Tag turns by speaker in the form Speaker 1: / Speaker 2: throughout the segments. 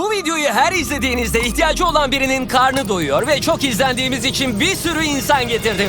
Speaker 1: Bu videoyu her izlediğinizde ihtiyacı olan birinin karnı doyuyor ve çok izlendiğimiz için bir sürü insan getirdim.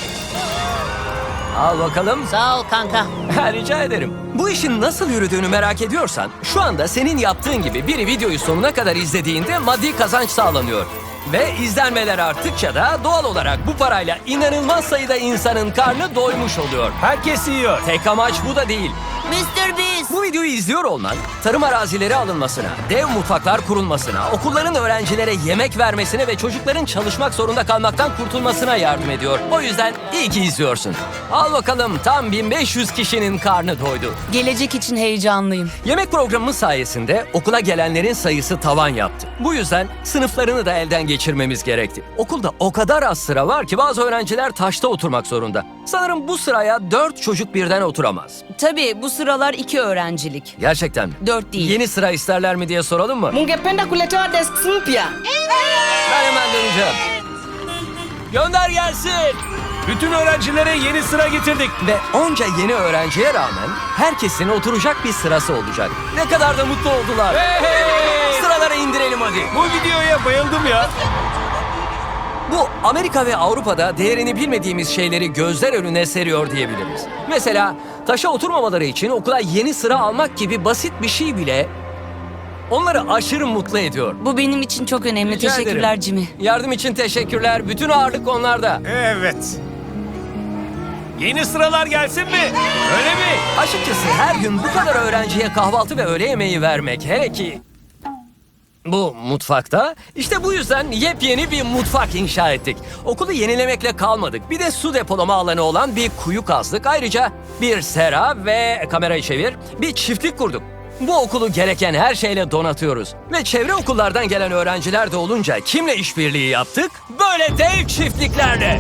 Speaker 1: Al bakalım.
Speaker 2: Sağ ol kanka.
Speaker 1: Rica ederim. Bu işin nasıl yürüdüğünü merak ediyorsan, şu anda senin yaptığın gibi biri videoyu sonuna kadar izlediğinde maddi kazanç sağlanıyor. Ve izlenmeler arttıkça da doğal olarak bu parayla inanılmaz sayıda insanın karnı doymuş oluyor.
Speaker 3: Herkes yiyor.
Speaker 1: Tek amaç bu da değil.
Speaker 2: Mr. Beast.
Speaker 1: Bu videoyu izliyor olman, tarım arazileri alınmasına, dev mutfaklar kurulmasına, okulların öğrencilere yemek vermesine ve çocukların çalışmak zorunda kalmaktan kurtulmasına yardım ediyor. O yüzden iyi ki izliyorsun. Al bakalım, tam 1500 kişinin karnı doydu.
Speaker 4: Gelecek için heyecanlıyım.
Speaker 1: Yemek programımız sayesinde okula gelenlerin sayısı tavan yaptı. Bu yüzden sınıflarını da elden geçirmemiz gerekti. Okulda o kadar az sıra var ki bazı öğrenciler taşta oturmak zorunda. Sanırım bu sıraya 4 çocuk birden oturamaz.
Speaker 4: Tabii bu sıralar 2 öğrencilik.
Speaker 1: Gerçekten mi?
Speaker 4: 4 değil.
Speaker 1: Yeni sıra isterler mi diye soralım mı?
Speaker 5: Mungependa kuletewa desks mpya?
Speaker 1: Ben hemen döneceğim. Gönder gelsin.
Speaker 3: Bütün öğrencilere yeni sıra getirdik.
Speaker 1: Ve onca yeni öğrenciye rağmen herkesin oturacak bir sırası olacak. Ne kadar da mutlu oldular.
Speaker 3: Hey!
Speaker 1: Sıralara indirelim hadi.
Speaker 3: Bu videoya bayıldım ya.
Speaker 1: Bu Amerika ve Avrupa'da değerini bilmediğimiz şeyleri gözler önüne seriyor diyebiliriz. Mesela taşa oturmamaları için okula yeni sıra almak gibi basit bir şey bile onları aşırı mutlu ediyor.
Speaker 4: Bu benim için çok önemli.
Speaker 1: Rica
Speaker 4: Teşekkürler
Speaker 1: ederim.
Speaker 4: Jimmy.
Speaker 1: Yardım için teşekkürler. Bütün ağırlık onlarda.
Speaker 3: Evet. Yeni sıralar gelsin mi? Öyle mi?
Speaker 1: Açıkçası her gün bu kadar öğrenciye kahvaltı ve öğle yemeği vermek, hele ki bu mutfakta, işte bu yüzden yepyeni bir mutfak inşa ettik. Okulu yenilemekle kalmadık. Bir de su depolama alanı olan bir kuyu kazdık. Ayrıca bir sera ve kamerayı çevir, bir çiftlik kurduk. Bu okulu gereken her şeyle donatıyoruz. Ve çevre okullardan gelen öğrenciler de olunca kimle işbirliği yaptık? Böyle dev çiftliklerle.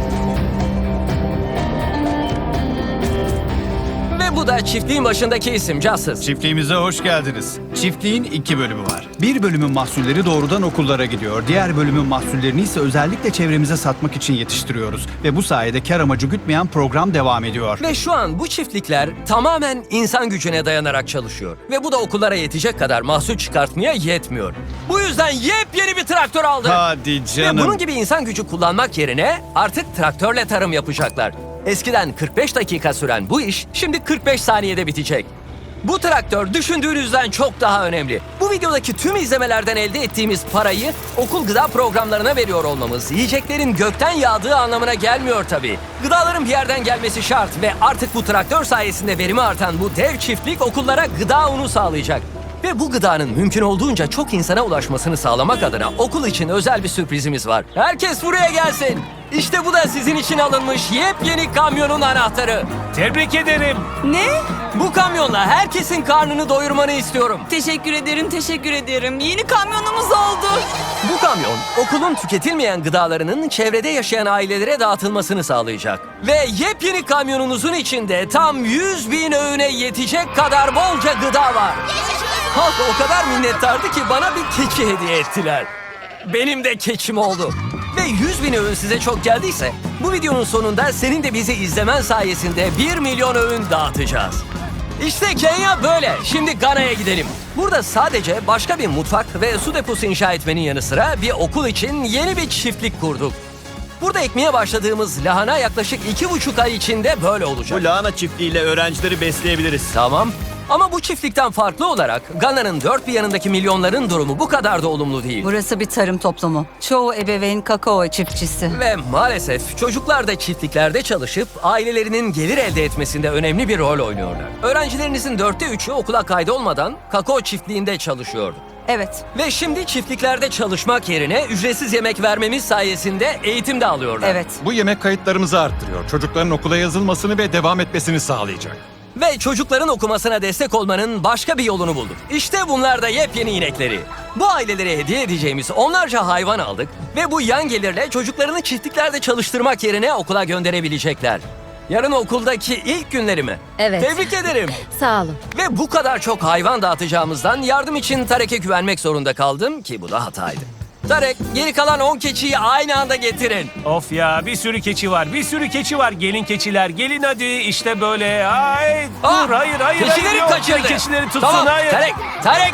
Speaker 1: Ve bu da çiftliğin başındaki isim Justice.
Speaker 6: Çiftliğimize hoş geldiniz. Çiftliğin 2 bölümü var. Bir bölümün mahsulleri doğrudan okullara gidiyor. Diğer bölümün mahsullerini ise özellikle çevremize satmak için yetiştiriyoruz. Ve bu sayede kar amacı gütmeyen program devam ediyor.
Speaker 1: Ve şu an bu çiftlikler tamamen insan gücüne dayanarak çalışıyor. Ve bu da okullara yetecek kadar mahsul çıkartmaya yetmiyor. Bu yüzden yepyeni bir traktör aldık.
Speaker 6: Hadi
Speaker 1: Ve
Speaker 6: canım.
Speaker 1: bunun gibi insan gücü kullanmak yerine artık traktörle tarım yapacaklar. Eskiden 45 dakika süren bu iş şimdi 45 saniyede bitecek. Bu traktör düşündüğünüzden çok daha önemli. Bu videodaki tüm izlemelerden elde ettiğimiz parayı okul gıda programlarına veriyor olmamız, yiyeceklerin gökten yağdığı anlamına gelmiyor tabii. Gıdaların bir yerden gelmesi şart ve artık bu traktör sayesinde verimi artan bu dev çiftlik okullara gıda unu sağlayacak. Ve bu gıdanın mümkün olduğunca çok insana ulaşmasını sağlamak adına okul için özel bir sürprizimiz var. Herkes buraya gelsin. İşte bu da sizin için alınmış yepyeni kamyonun anahtarı.
Speaker 3: Tebrik ederim.
Speaker 4: Ne?
Speaker 1: Bu kamyonla herkesin karnını doyurmanı istiyorum.
Speaker 4: Teşekkür ederim, teşekkür ederim. Yeni kamyonumuz oldu.
Speaker 1: Bu kamyon okulun tüketilmeyen gıdalarının çevrede yaşayan ailelere dağıtılmasını sağlayacak. Ve yepyeni kamyonunuzun içinde tam 100.000 öğüne yetecek kadar bolca gıda var. Halk o kadar minnettardı ki bana bir keçi hediye ettiler. Benim de keçim oldu. Ve 100.000 öğün size çok geldiyse bu videonun sonunda senin de bizi izlemen sayesinde 1 milyon öğün dağıtacağız. İşte Kenya böyle. Şimdi Gana'ya gidelim. Burada sadece başka bir mutfak ve su deposu inşa etmenin yanı sıra bir okul için yeni bir çiftlik kurduk. Burada ekmeye başladığımız lahana yaklaşık 2,5 ay içinde böyle olacak.
Speaker 7: Bu lahana çiftliğiyle öğrencileri besleyebiliriz.
Speaker 1: Tamam. Ama bu çiftlikten farklı olarak Gana'nın dört bir yanındaki milyonların durumu bu kadar da olumlu değil.
Speaker 4: Burası bir tarım toplumu. Çoğu ebeveyn kakao çiftçisi.
Speaker 1: Ve maalesef çocuklar da çiftliklerde çalışıp ailelerinin gelir elde etmesinde önemli bir rol oynuyorlar. Öğrencilerinizin 3'ü okula kaydolmadan kakao çiftliğinde çalışıyordu.
Speaker 4: Evet.
Speaker 1: Ve şimdi çiftliklerde çalışmak yerine ücretsiz yemek vermemiz sayesinde eğitim de alıyorlar.
Speaker 4: Evet.
Speaker 8: Bu yemek kayıtlarımızı arttırıyor. Çocukların okula yazılmasını ve devam etmesini sağlayacak.
Speaker 1: Ve çocukların okumasına destek olmanın başka bir yolunu bulduk. İşte bunlar da yepyeni inekleri. Bu ailelere hediye edeceğimiz onlarca hayvan aldık ve bu yan gelirle çocuklarını çiftliklerde çalıştırmak yerine okula gönderebilecekler. Yarın okuldaki ilk günleri mi?
Speaker 9: Evet.
Speaker 1: Tebrik ederim.
Speaker 9: Sağ olun.
Speaker 1: Ve bu kadar çok hayvan dağıtacağımızdan yardım için Tarek'e güvenmek zorunda kaldım ki bu da hataydı. Tarek, geri kalan 10 keçiyi aynı anda getirin.
Speaker 3: Of ya, bir sürü keçi var. Bir sürü keçi var. Gelin keçiler. Gelin hadi. İşte böyle. Ay, dur. Hayır.
Speaker 1: Keçileri
Speaker 3: Yok,
Speaker 1: kaçırdı.
Speaker 3: Keçileri tutsun.
Speaker 1: Tamam,
Speaker 3: Hayır.
Speaker 1: Tarek.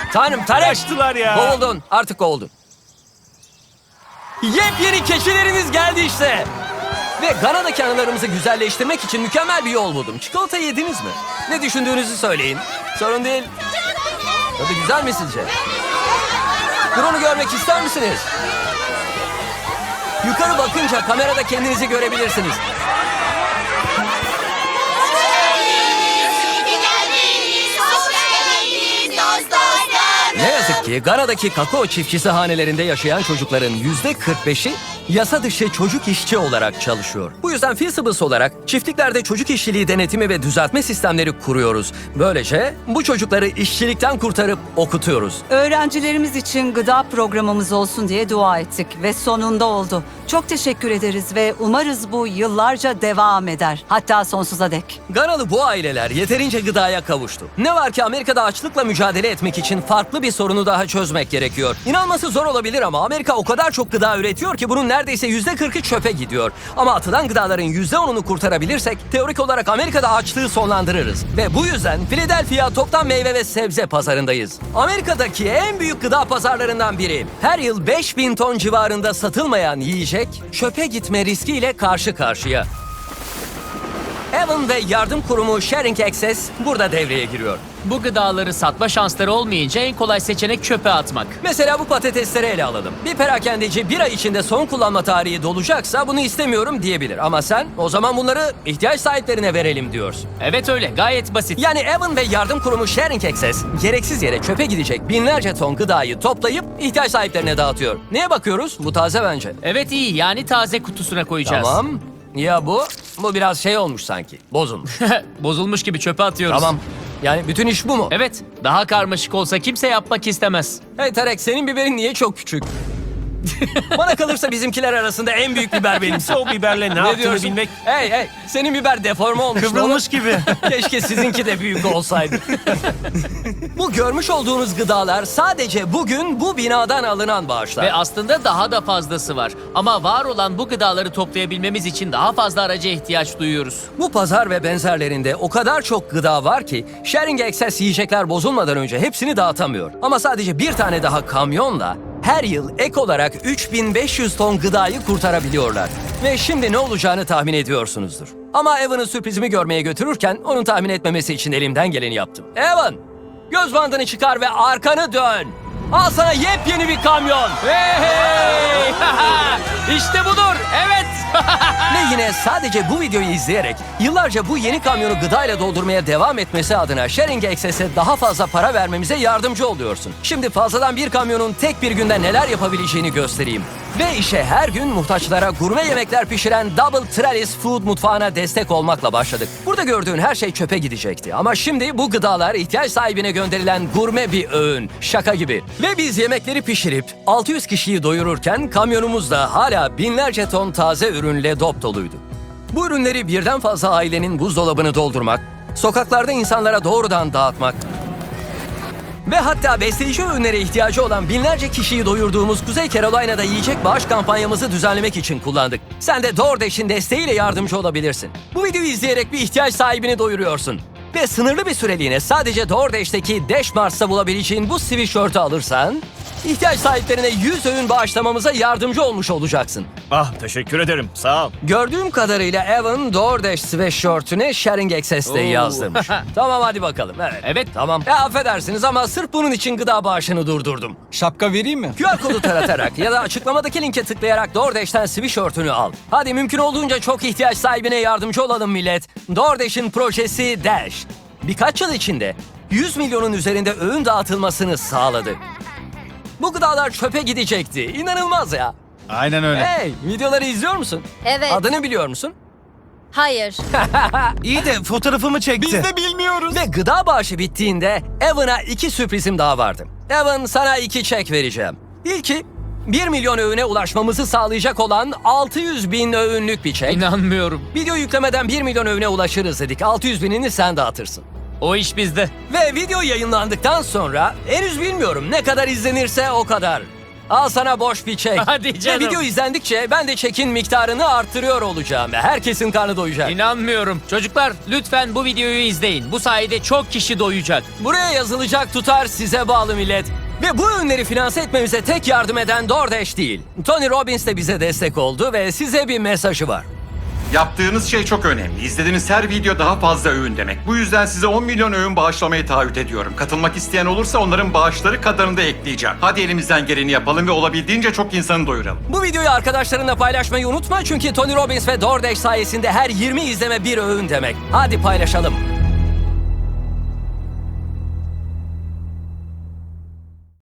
Speaker 1: Tanrım Tarek.
Speaker 3: Kaçtılar ya.
Speaker 1: Kovuldun. Artık kovuldun. Yepyeni keçileriniz geldi işte. Ve Gana'daki anılarımızı güzelleştirmek için mükemmel bir yol buldum. Çikolata yediniz mi? Ne düşündüğünüzü söyleyin. Sorun değil. Tadı güzel mi sizce? Drone'u görmek ister misiniz? Yukarı bakınca kamerada kendinizi görebilirsiniz. Ne yazık ki Gana'daki kakao çiftçisi hanelerinde yaşayan çocukların %45'i yasa dışı çocuk işçi olarak çalışıyor. Bu yüzden Feasibles olarak çiftliklerde çocuk işçiliği denetimi ve düzeltme sistemleri kuruyoruz. Böylece bu çocukları işçilikten kurtarıp okutuyoruz.
Speaker 4: Öğrencilerimiz için gıda programımız olsun diye dua ettik ve sonunda oldu. Çok teşekkür ederiz ve umarız bu yıllarca devam eder. Hatta sonsuza dek.
Speaker 1: Ganalı bu aileler yeterince gıdaya kavuştu. Ne var ki Amerika'da açlıkla mücadele etmek için farklı bir sorunu daha çözmek gerekiyor. İnanması zor olabilir ama Amerika o kadar çok gıda üretiyor ki bunun neredeyse %40'ı çöpe gidiyor. Ama atılan gıdaların %10'unu kurtarabilirsek teorik olarak Amerika'da açlığı sonlandırırız. Ve bu yüzden Philadelphia toptan meyve ve sebze pazarındayız. Amerika'daki en büyük gıda pazarlarından biri. Her yıl 5000 ton civarında satılmayan yiyecek çöpe gitme riskiyle karşı karşıya. Evan ve yardım kurumu Sharing Access burada devreye giriyor.
Speaker 9: Bu gıdaları satma şansları olmayınca en kolay seçenek çöpe atmak.
Speaker 1: Mesela bu patatesleri ele alalım. Bir perakendeci bir ay içinde son kullanma tarihi dolacaksa bunu istemiyorum diyebilir. Ama sen o zaman bunları ihtiyaç sahiplerine verelim diyorsun.
Speaker 9: Evet öyle, gayet basit.
Speaker 1: Yani Evan ve yardım kurumu Sharing Access gereksiz yere çöpe gidecek binlerce ton gıdayı toplayıp ihtiyaç sahiplerine dağıtıyor. Neye bakıyoruz? Bu taze bence.
Speaker 9: Evet iyi, yani taze kutusuna koyacağız.
Speaker 1: Tamam. Ya bu? Bu biraz şey olmuş sanki. Bozulmuş.
Speaker 9: Bozulmuş gibi çöpe atıyoruz.
Speaker 1: Tamam. Yani bütün iş bu mu?
Speaker 9: Evet, daha karmaşık olsa kimse yapmak istemez.
Speaker 1: Hey Tarek, senin biberin niye çok küçük? Bana kalırsa bizimkiler arasında en büyük biber benim.
Speaker 3: Kimse o biberle ne yaptığını
Speaker 1: diyorsun?
Speaker 3: bilmek
Speaker 1: Hey, senin biber deforme olmuş.
Speaker 3: kıvrılmış gibi.
Speaker 1: Keşke sizinki de büyük olsaydı. Bu görmüş olduğunuz gıdalar sadece bugün bu binadan alınan bağışlar.
Speaker 9: Ve aslında daha da fazlası var. Ama var olan bu gıdaları toplayabilmemiz için daha fazla araca ihtiyaç duyuyoruz.
Speaker 1: Bu pazar ve benzerlerinde o kadar çok gıda var ki Sharing Access yiyecekler bozulmadan önce hepsini dağıtamıyor. Ama sadece bir tane daha kamyonla her yıl ek olarak 3500 ton gıdayı kurtarabiliyorlar. Ve şimdi ne olacağını tahmin ediyorsunuzdur. Ama Evan'ın sürprizimi görmeye götürürken onun tahmin etmemesi için elimden geleni yaptım. Evan, göz bandını çıkar ve arkanı dön. Al sana yepyeni bir kamyon.
Speaker 9: Hey! İşte budur, evet.
Speaker 1: Ve yine sadece bu videoyu izleyerek yıllarca bu yeni kamyonu gıdayla doldurmaya devam etmesi adına Sharing Access'e daha fazla para vermemize yardımcı oluyorsun. Şimdi fazladan bir kamyonun tek bir günde neler yapabileceğini göstereyim. Ve işe her gün muhtaçlara gurme yemekler pişiren Double Trellis Food mutfağına destek olmakla başladık. Burada gördüğün her şey çöpe gidecekti. Ama şimdi bu gıdalar ihtiyaç sahibine gönderilen gurme bir öğün. Şaka gibi. Ve biz yemekleri pişirip 600 kişiyi doyururken kamyonumuz da hala binlerce ton taze ürünle dop doluydu. Bu ürünleri birden fazla ailenin buzdolabını doldurmak, sokaklarda insanlara doğrudan dağıtmak ve hatta besleyici öğünlere ihtiyacı olan binlerce kişiyi doyurduğumuz Kuzey Carolina'da yiyecek bağış kampanyamızı düzenlemek için kullandık. Sen de DoorDash'in desteğiyle yardımcı olabilirsin. Bu videoyu izleyerek bir ihtiyaç sahibini doyuruyorsun. Ve sınırlı bir süreliğine sadece DoorDash'teki Dash Mars'ta bulabileceğin bu sweatshirt'ü alırsan ihtiyaç sahiplerine 100 öğün bağışlamamıza yardımcı olmuş olacaksın.
Speaker 7: Ah teşekkür ederim. Sağ ol.
Speaker 1: Gördüğüm kadarıyla Evan DoorDash sweatshirt'üne Sharing Access'te yazdırmış. Tamam hadi bakalım.
Speaker 9: Evet.
Speaker 1: Tamam. Affedersiniz ama sırf bunun için gıda bağışını durdurdum.
Speaker 6: Şapka vereyim mi?
Speaker 1: QR kodu taratarak ya da açıklamadaki linke tıklayarak DoorDash'ten sweatshirt'ünü al. Hadi mümkün olduğunca çok ihtiyaç sahibine yardımcı olalım millet. DoorDash'in projesi Dash. Birkaç yıl içinde 100 milyonun üzerinde öğün dağıtılmasını sağladı. Bu gıdalar çöpe gidecekti. İnanılmaz ya.
Speaker 6: Aynen öyle.
Speaker 1: Hey, videoları izliyor musun?
Speaker 2: Evet.
Speaker 1: Adını biliyor musun?
Speaker 2: Hayır.
Speaker 3: İyi de fotoğrafımı çekti.
Speaker 6: bilmiyoruz.
Speaker 1: Ve gıda bağışı bittiğinde Evan'a 2 sürprizim daha vardı. Evan, sana 2 çek vereceğim. İlki 1 milyon öğüne ulaşmamızı sağlayacak olan 600 bin öğünlük bir çek.
Speaker 9: İnanmıyorum.
Speaker 1: Video yüklemeden 1 milyon öğüne ulaşırız dedik. 600 binini sen dağıtırsın.
Speaker 9: O iş bizde.
Speaker 1: Ve video yayınlandıktan sonra henüz bilmiyorum ne kadar izlenirse o kadar. Al sana boş bir çek.
Speaker 9: Hadi canım.
Speaker 1: Ve video izlendikçe ben de çekin miktarını arttırıyor olacağım. Herkesin karnı doyacak.
Speaker 9: İnanmıyorum. Çocuklar lütfen bu videoyu izleyin. Bu sayede çok kişi doyacak.
Speaker 1: Buraya yazılacak tutar size bağlı millet. Ve bu ürünleri finanse etmemize tek yardım eden DoorDash değil. Tony Robbins de bize destek oldu ve size bir mesajı var.
Speaker 8: Yaptığınız şey çok önemli. İzlediğiniz her video daha fazla öğün demek. Bu yüzden size 10 milyon öğün bağışlamayı taahhüt ediyorum. Katılmak isteyen olursa onların bağışları kadarını da ekleyeceğim. Hadi elimizden geleni yapalım ve olabildiğince çok insanı doyuralım.
Speaker 1: Bu videoyu arkadaşlarınla paylaşmayı unutma çünkü Tony Robbins ve DoorDash sayesinde her 20 izleme bir öğün demek. Hadi paylaşalım.